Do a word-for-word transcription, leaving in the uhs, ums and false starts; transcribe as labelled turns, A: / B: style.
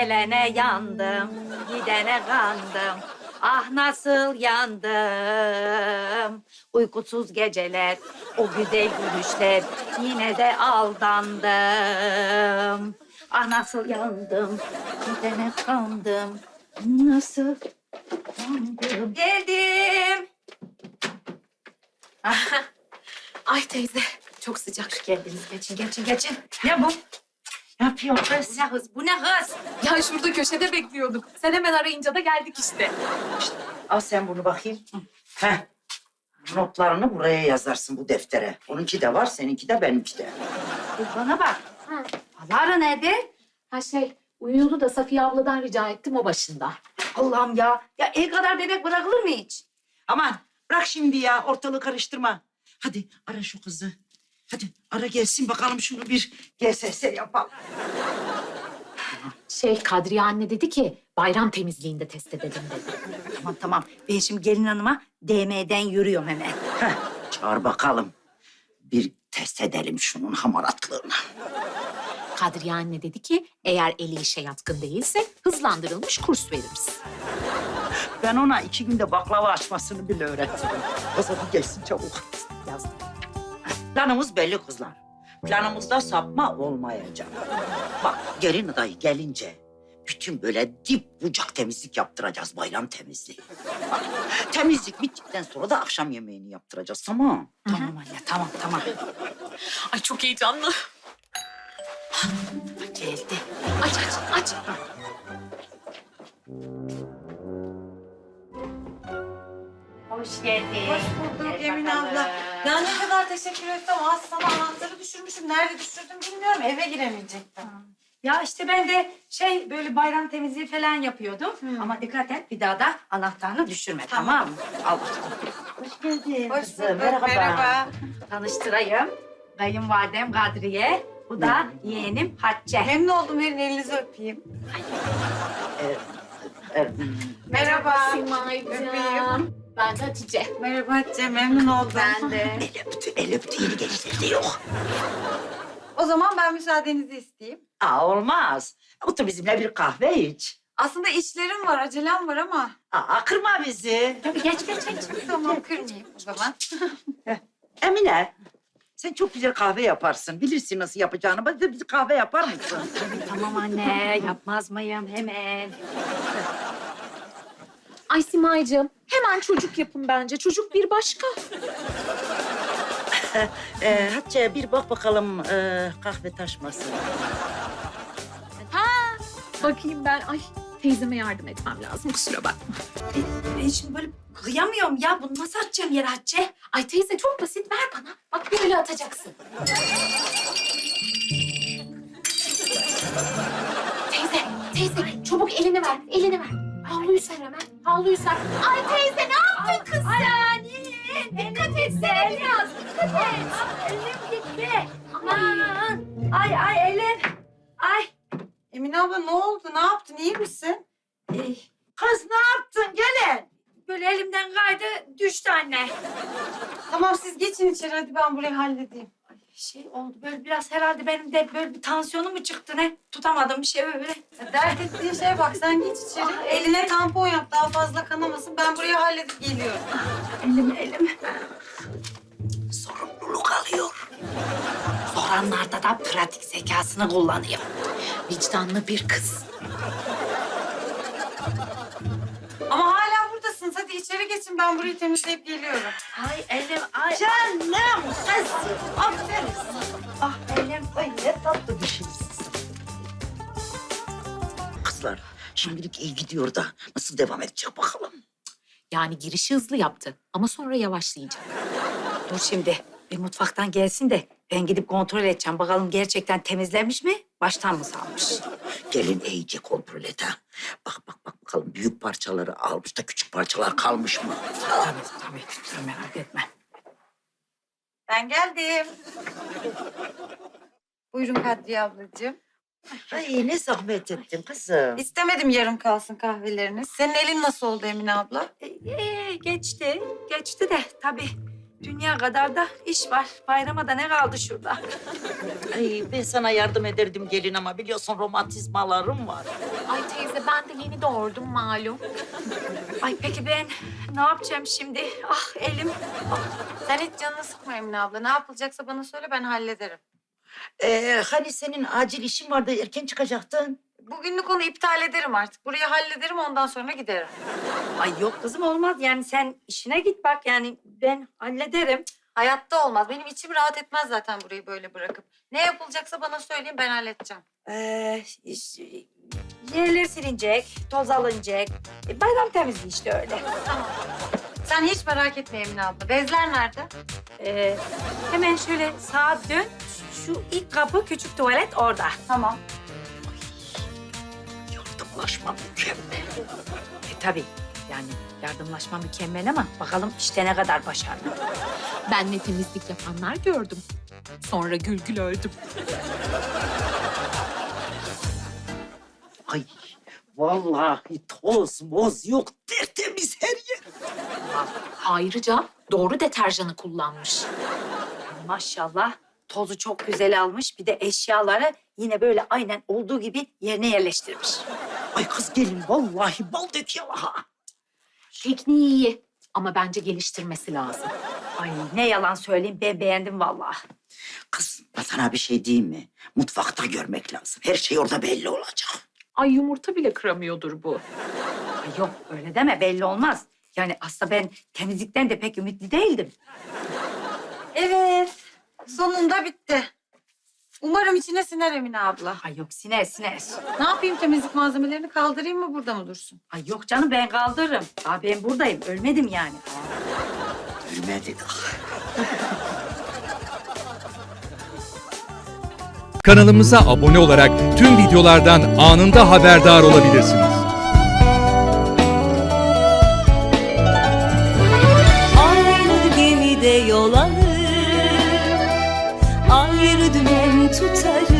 A: Gelene yandım, gidene kandım. Ah nasıl yandım. Uykusuz geceler, o güzel gülüşler. Yine de aldandım. Ah nasıl yandım, gidene kandım. Nasıl yandım. Geldim.
B: Ay teyze, çok sıcak.
A: Hoş geldiniz. Geçin, geçin, geçin. Ne bu? Ne yapıyorsun kız? Bu ne hız? Bu ne hız?
B: Ya şurada köşede bekliyorduk. Sen hemen arayınca da geldik işte.
C: Al sen bunu bakayım. Heh. Notlarını buraya yazarsın bu deftere. Onunki de var, seninki de benimki de.
A: Kız bana bak.
B: Ha.
A: Alara nerede?
B: Ha şey, uyuyordu da Safiye abladan rica ettim o başında.
A: Allah'ım ya. Ya el kadar bebek bırakılır mı hiç?
C: Aman bırak şimdi ya, ortalığı karıştırma. Hadi ara şu kızı. Hadi ara gelsin bakalım şunu bir G S S yapalım.
B: Şey, Kadriye anne dedi ki bayram temizliğinde test edelim dedi.
A: Tamam tamam. Ben şimdi gelin hanıma D M'den yürüyorum hemen.
C: Heh, çağır bakalım. Bir test edelim şunun hamaratlığını.
B: Kadriye anne dedi ki eğer eli işe yatkın değilse hızlandırılmış kurs veririz.
C: Ben ona iki günde baklava açmasını bile öğrettim. O zaman gelsin çabuk.
B: Yazdım.
C: Planımız belli kızlar. Planımızda sapma olmayacak. Bak gelin adayı gelince bütün böyle dip bucak temizlik yaptıracağız, bayram temizliği. Bak, temizlik bittikten sonra da akşam yemeğini yaptıracağız, tamam?
A: Tamam anne tamam tamam.
B: Ay çok heyecanlı.
A: Geldi.
B: Aç aç aç.
A: Hoş geldin.
D: Hoş bulduk
A: Gel
D: Emine
A: bakalım.
D: abla. Ya ne kadar teşekkür ettim. Az sana anahtarı düşürmüşüm. Nerede düşürdüm bilmiyorum. Eve giremeyecektim.
A: Ya işte ben de şey böyle bayram temizliği falan yapıyordum. Ama dikkat et bir daha da anahtarını düşürme tamam,
D: Tamam.
A: mı? Al bakalım.
C: Hoş geldin
D: Hoş
C: kızım,
D: bulduk.
C: merhaba.
D: Merhaba.
A: Tanıştırayım. Kayınvalidem Kadriye. Bu da yeğenim Hatice.
D: Memnun oldum. Verin elinizi öpeyim.
C: Evet.
D: Merhaba.
B: Simay'cığım.
D: Öpeyim.
B: Ben de Hatice.
D: Merhaba Hatice. Memnun oldum.
A: Ben de.
C: El öptü, el öptü, yeni gençlerde yok.
D: O zaman ben müsaadenizi isteyeyim.
C: Aa olmaz. Otur bizimle bir kahve iç.
D: Aslında işlerim var, acelem var ama.
C: Aa kırma bizi.
A: Tabii geç geç geç.
D: Tamam kırmayayım o zaman.
C: Emine, sen çok güzel kahve yaparsın. Bilirsin nasıl yapacağını. Bana da bir kahve yapar mısın?
A: Tamam anne yapmaz mıyım hemen.
B: Ay Simay'cığım hemen çocuk yapın bence. Çocuk bir başka.
C: Ee, Hatice bir bak bakalım ee, kahve taşmasın.
B: Bakayım ben. Ay teyzeme yardım etmem lazım kusura bakma.
A: Ben şimdi böyle kıyamıyorum ya. Bunu nasıl atacağım yere Hatice?
B: Ay teyze çok basit ver bana. Bak böyle atacaksın. Teyze, teyze çabuk elini ver, elini ver. Havluyu ser hemen, havluyu ser. Ay teyze ne yaptın kız sen? Dikkat et sen biraz, dikkat et.
A: Elim gitti. Aman. Ay ay elim. Ay.
D: Emine abla ne oldu? Ne yaptın? İyi misin?
A: Ey,
C: Kız ne yaptın? Gelin.
A: böyle elimden kaydı düştü anne.
D: Tamam siz geçin içeri. Hadi ben burayı halledeyim.
A: Şey oldu böyle biraz herhalde benim de böyle bir tansiyonum mu çıktı ne? Tutamadım bir şey böyle.
D: Dert ettiğin şeye bak. Sen geç içeri.
A: Ay.
D: Eline tampon yap. Daha fazla kanamasın. Ben burayı halledip geliyorum.
A: Elim elim.
C: Sorumluluk alıyor.
A: Soranlarda da pratik zekasını kullanıyor.
B: Vicdanlı bir kız.
D: Ama hala buradasınız. Hadi içeri geçin. Ben burayı temizleyip geliyorum.
A: Ay elim ay.
C: Canım kızım. Aferin.
A: Ah elim.
C: Ay ne tatlı bir şeysin. Kızlar şimdilik iyi gidiyor da nasıl devam edecek bakalım.
B: Yani girişi hızlı yaptı ama sonra yavaşlayacak.
A: Dur şimdi bir mutfaktan gelsin de ben gidip kontrol edeceğim. Bakalım gerçekten temizlenmiş mi? Baştan mı salmış?
C: Gelin iyice kontrol et ha. Bak bak bak bakalım büyük parçaları almış da küçük parçalar kalmış mı?
A: Tabii tabii. Sen merak etme.
D: Ben geldim. Buyurun Kadriye ablacığım.
C: Ay ne zahmet ettin kızım.
D: İstemedim yarım kalsın kahveleriniz. Senin elin nasıl oldu Emine abla?
A: Ee, geçti. Geçti de tabii dünya kadar da iş var. Bayrama da ne kaldı şurada?
C: Ay ben sana yardım ederdim gelin ama biliyorsun romantizmalarım var.
B: Ay teyze ben de yeni doğurdum malum.
A: Ay peki ben ne yapacağım şimdi? Ah elim.
D: Sen hiç canını sıkma Emine abla. Ne yapılacaksa bana söyle, ben hallederim.
C: Ee, hani senin acil işin vardı erken çıkacaktın.
D: Bugünlük onu iptal ederim artık. Burayı hallederim, ondan sonra giderim.
A: Ay yok kızım olmaz. Yani sen işine git bak. Yani ben hallederim.
D: Hayatta olmaz. Benim içim rahat etmez zaten burayı böyle bırakıp. Ne yapılacaksa bana söyleyin, ben halledeceğim.
A: Ee, iş- yerler silinecek, toz alınacak. E, bayram temizliği işte öyle.
D: Sen hiç merak etme Emine abla. Bezler nerede?
A: Ee, hemen şöyle sağa dön. Şu ilk kapı küçük tuvalet orada.
D: Tamam.
C: Yardımlaşma mükemmel.
A: E tabii yani yardımlaşma mükemmel ama bakalım işte ne kadar başarılı.
B: Ben ne temizlik yapanlar gördüm. Sonra gül gül öldüm.
C: Ay vallahi toz moz yok tertemiz her yer.
B: Ayrıca doğru deterjanı kullanmış.
A: Maşallah tozu çok güzel almış. Bir de eşyaları yine böyle aynen olduğu gibi yerine yerleştirmiş.
C: Ay kız gelin vallahi bal dök yalaha.
B: Tekniği iyi ama bence geliştirmesi lazım.
A: Ay ne yalan söyleyeyim ben beğendim vallahi.
C: Kız ben sana bir şey diyeyim mi? Mutfakta görmek lazım. Her şey orada belli olacak.
B: Ay yumurta bile kıramıyordur bu.
A: Ay yok öyle deme belli olmaz. Yani aslında ben temizlikten de pek ümitli değildim.
D: Evet. Sonunda bitti. Umarım içine siner Emine abla.
A: Ay yok siner siner.
D: Ne yapayım, temizlik malzemelerini kaldırayım mı, burada mı dursun?
A: Ay yok canım ben kaldırırım. Aa, ben buradayım ölmedim yani.
C: Ölmedik.
E: Kanalımıza abone olarak tüm videolardan anında haberdar olabilirsiniz.
F: Aynı gemide yol alır, ayrı dümen tutarız.